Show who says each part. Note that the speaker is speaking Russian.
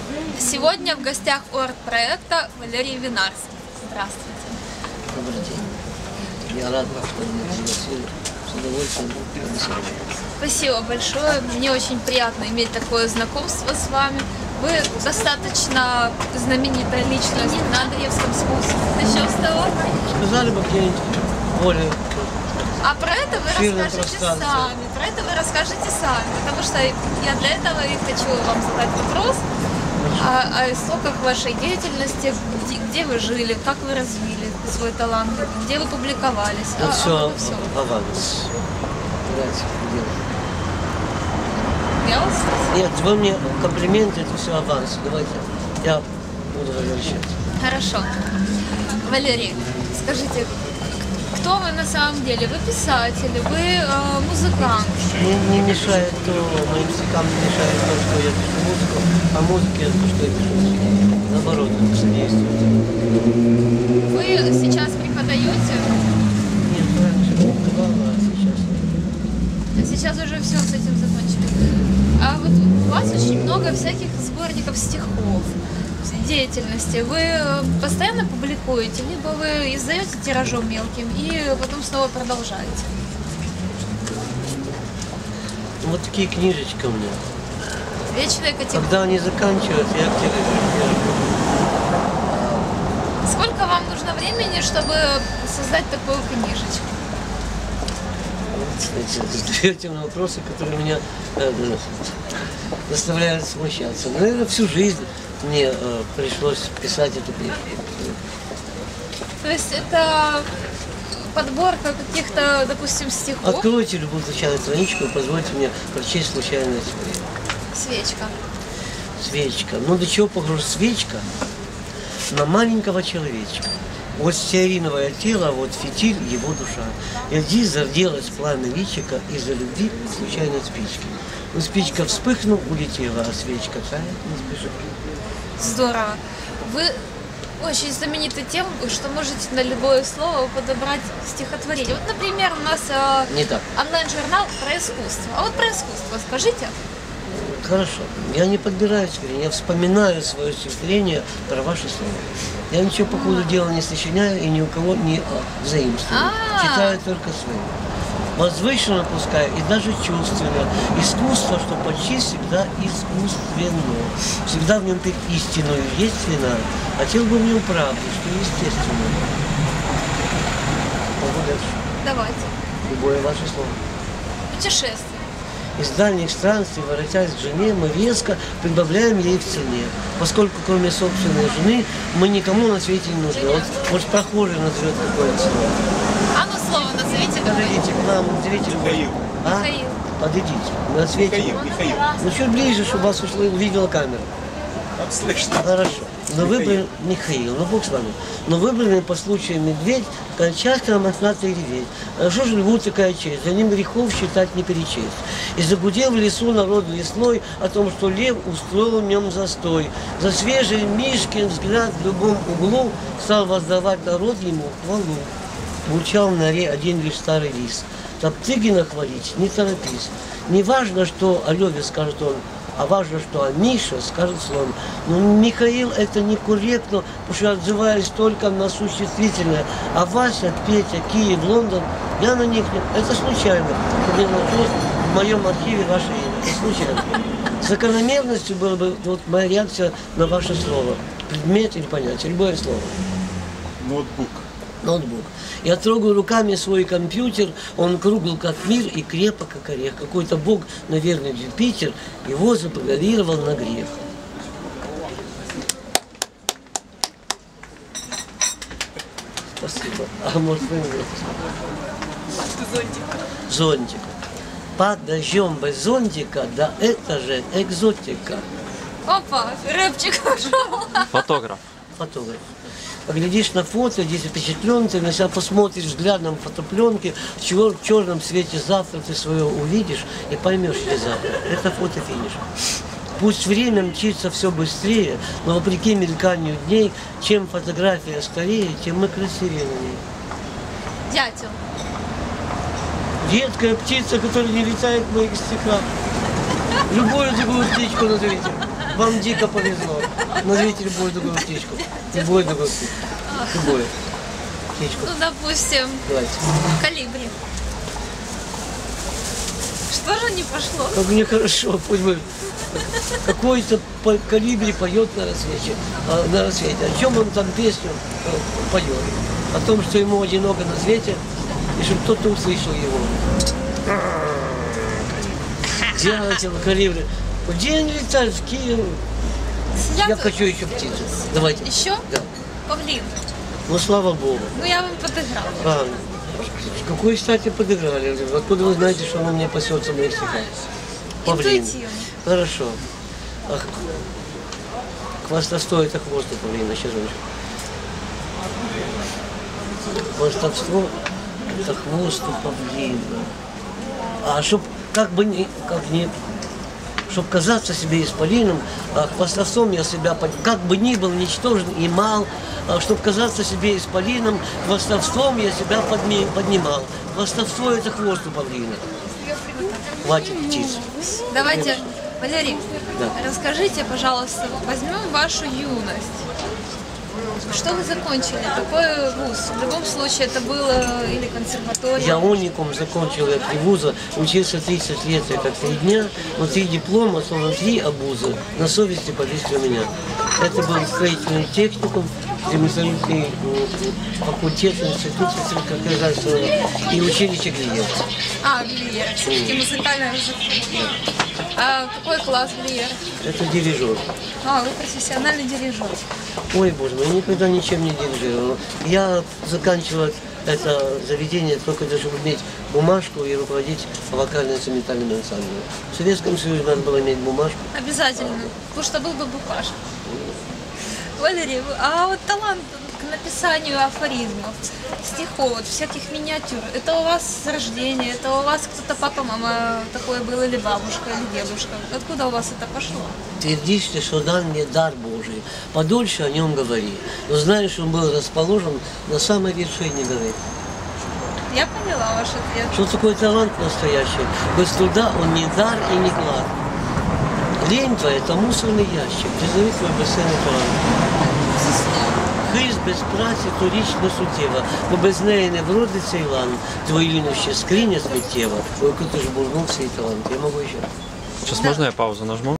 Speaker 1: Сегодня в гостях у арт-проекта Валерий Винарский. Здравствуйте.
Speaker 2: Добрый день. Я рад, что меня пригласили. С удовольствием.
Speaker 1: Спасибо большое. Мне очень приятно иметь такое знакомство с вами. Вы достаточно знаменитая личность на Андреевском спуске. Начнем с того.
Speaker 2: Сказали бы где-нибудь более...
Speaker 1: А про это вы расскажете
Speaker 2: пространстве.
Speaker 1: сами. Про это вы расскажете сами. Потому что я для этого и хочу вам задать вопрос о истоках вашей деятельности, где вы жили, как вы развили свой талант, где вы публиковались.
Speaker 2: Это все
Speaker 1: все.
Speaker 2: аванс. Давайте,
Speaker 1: Я вас...
Speaker 2: нет, вы мне комплименты, это все аванс. Давайте, я буду возвращаться.
Speaker 1: Хорошо. Валерий, скажите, кто вы на самом деле? Вы писатель, вы музыкант.
Speaker 2: Мне не мешает то, моим стихам не мешает то, что я пишу музыку, а музыке то, что я пишу стихи. Наоборот, это содействует.
Speaker 1: Вы сейчас преподаете?
Speaker 2: Нет, раньше преподавала, а сейчас нет.
Speaker 1: Сейчас уже все с этим закончили. А вот у вас очень много всяких сборников стихов, деятельности. Вы постоянно публикуете, либо вы издаете тиражом мелким и потом снова продолжаете?
Speaker 2: Вот такие книжечки у меня.
Speaker 1: Вечная категория.
Speaker 2: Когда они заканчиваются, я к тебе
Speaker 1: Сколько вам нужно времени, чтобы создать такую книжечку?
Speaker 2: задаете на вопросы, которые меня заставляют смущаться. Наверное, всю жизнь мне пришлось писать эту книжку.
Speaker 1: То есть это подборка каких-то, допустим, стихов?
Speaker 2: Откройте любую случайную страничку и позвольте мне прочесть случайное слово.
Speaker 1: Свечка.
Speaker 2: Свечка. Ну до чего похожа свечка на маленького человечка? Вот стеариновое тело, вот фитиль, его душа. И здесь зарделась пламя личика из-за любви к случайной спички. Но спичка вспыхнула, улетела, а свечка тает не спешит.
Speaker 1: Здорово. Вы очень знамениты тем, что можете на любое слово подобрать стихотворение. Вот, например, у нас
Speaker 2: Не так.
Speaker 1: онлайн-журнал про искусство. А вот про искусство скажите.
Speaker 2: Хорошо. Я не подбираю стихотворение, я вспоминаю свое стихотворение про ваше слово. Я ничего по ходу дела не сочиняю и ни у кого не заимствую. Читаю только свое. Возвышенно пускай и даже чувственно. Искусство, что почти всегда искусственно. Всегда в нем петь истинную есть вина. Хотел бы в нем правду, что естественно. Могу дальше.
Speaker 1: Давайте.
Speaker 2: Любое ваше слово.
Speaker 1: Путешествие.
Speaker 2: Из дальних странствий, воротясь к жене, мы резко прибавляем ей в цене. Поскольку кроме собственной жены мы никому на свете не нужны. Вот, может, прохожий назовет какое-то слово.
Speaker 1: А ну слово назовите.
Speaker 2: Подойдите к нам, зритель.
Speaker 3: Михаил.
Speaker 2: А?
Speaker 1: Михаил.
Speaker 2: Подойдите. На свете.
Speaker 3: Михаил.
Speaker 2: Ну, чуть ближе, чтобы вас увидела камера.
Speaker 3: Как слышно?
Speaker 2: Хорошо. Но выбран Михаил, ну бог с вами. Но выбранный по случаю медведь, часто мохнатый реветь. А что же льву такая честь? За ним грехов считать не перечесть. И загудел в лесу народ лесной о том, что лев устроил в нем застой. За свежий Мишкин взгляд в любом углу стал воздавать народ ему хвалу. Звучал на норе один лишь старый лис. Топтыгина хвалить не торопись. Не важно, что о леве скажет он, а важно, что о Мише скажет слон. Но Михаил это некорректно, потому что отзываюсь только на существительное. А Вася, Петя, Киев, Лондон, я на них нет. Это случайно. Мне нашлось в моем архиве ваше имя. Это случайно. Закономерностью была бы вот моя реакция на ваше слово. Предмет или понятие, любое слово.
Speaker 3: Ноутбук.
Speaker 2: Ноутбук. Я трогаю руками свой компьютер, он кругл как мир и крепок как орех. Какой-то бог, наверное, Юпитер, его запрограммировал на грех. Спасибо. А может вы мне?
Speaker 1: Зонтик.
Speaker 2: Зонтик. Под дождем без зонтика, да это же экзотика.
Speaker 1: Опа, рэпчик пошел.
Speaker 4: Фотограф.
Speaker 2: Фотограф. Поглядишь на фото, здесь впечатлен, ты на себя посмотришь взглядом фотопленки, в черном свете завтра ты свое увидишь и поймешь, где завтра. Это фотофиниш. Пусть время мчится все быстрее, но вопреки мельканию дней, чем фотография скорее, тем мы красивее на ней.
Speaker 1: Дятел.
Speaker 2: Редкая птица, которая не летает в моих стихах. Любую другую птичку назовите. Вам дико повезло. Назовите любую другую птичку. Любую другую птичку. Любую птичку.
Speaker 1: Ну, допустим,
Speaker 2: Давайте.
Speaker 1: колибри. Что же не пошло?
Speaker 2: Как мне хорошо, пусть бы какой-то колибри поет на рассвете. О чем он там песню поет? О том, что ему одиноко на свете, и чтобы кто-то услышал его. Дятел, колибри. Где они летают? В Киев.
Speaker 1: Я
Speaker 2: Я хочу еще птицу. Давайте.
Speaker 1: Еще?
Speaker 2: Да.
Speaker 1: Павлин.
Speaker 2: Ну, слава Богу.
Speaker 1: Ну, я вам подыграла.
Speaker 2: А, с какой стати подыграли? Откуда вы знаете, что он мне пасется в моих стихах? Павлин.
Speaker 1: Интуитивно.
Speaker 2: Хорошо. Ах, хвастовство это хвост у павлина. Сейчас он. Хвастовство это хвост у павлина. А чтоб как чтоб казаться себе исполином, хвастовством я себя, как бы ни был ничтожен и мал, чтоб казаться себе исполином, хвастовством я себя поднимал. Хвастовство это хвост у павлина. Хватит птиц.
Speaker 1: Давайте, Валерий,
Speaker 2: Да.
Speaker 1: расскажите, пожалуйста, возьмем вашу юность. Что вы закончили? Какой вуз? В любом случае, это было или консерватория?
Speaker 2: Я уникум закончил я 3 вуза, учился 30 лет, это 3 дня, но 3 диплома, словно 3 обуза, на совести повесили у меня. Это был строительный техникум, ремонтный факультет, институт сельскохозяйственного и училище Глиер.
Speaker 1: А, Глиер. Все-таки музыкальное развитие. А какой класс Глиер?
Speaker 2: Это дирижер.
Speaker 1: А, вы профессиональный дирижер.
Speaker 2: Ой, боже мой, никогда ничем не дирижировал. Я заканчивал это заведение только для того, чтобы иметь бумажку и руководить вокально-инструментальным ансамблем. В Советском Союзе надо было иметь бумажку.
Speaker 1: Обязательно. Потому что был бы букаш. Валерий, а вот талант к написанию афоризмов, стихов, вот всяких миниатюр, это у вас с рождения, это у вас кто-то папа, мама такой был, или бабушка, или дедушка? Откуда у вас это пошло?
Speaker 2: Твердишь ты, что дан мне дар Божий, подольше о нем говори. Но знаешь, он был расположен на самой вершине горы.
Speaker 1: Я поняла ваш ответ.
Speaker 2: Что такое талант настоящий? Без труда он не дар и не клад. Лень твоя – это мусорный ящик, призови твой безценний талант. Хист без праці, то річ не суттєва, бо без неї не вродиться Ілан, твої лінощі скриня сміттєва, ой, коли ти ж бурнув свій талант. Я можу ще.
Speaker 4: Сейчас можно я паузу нажму?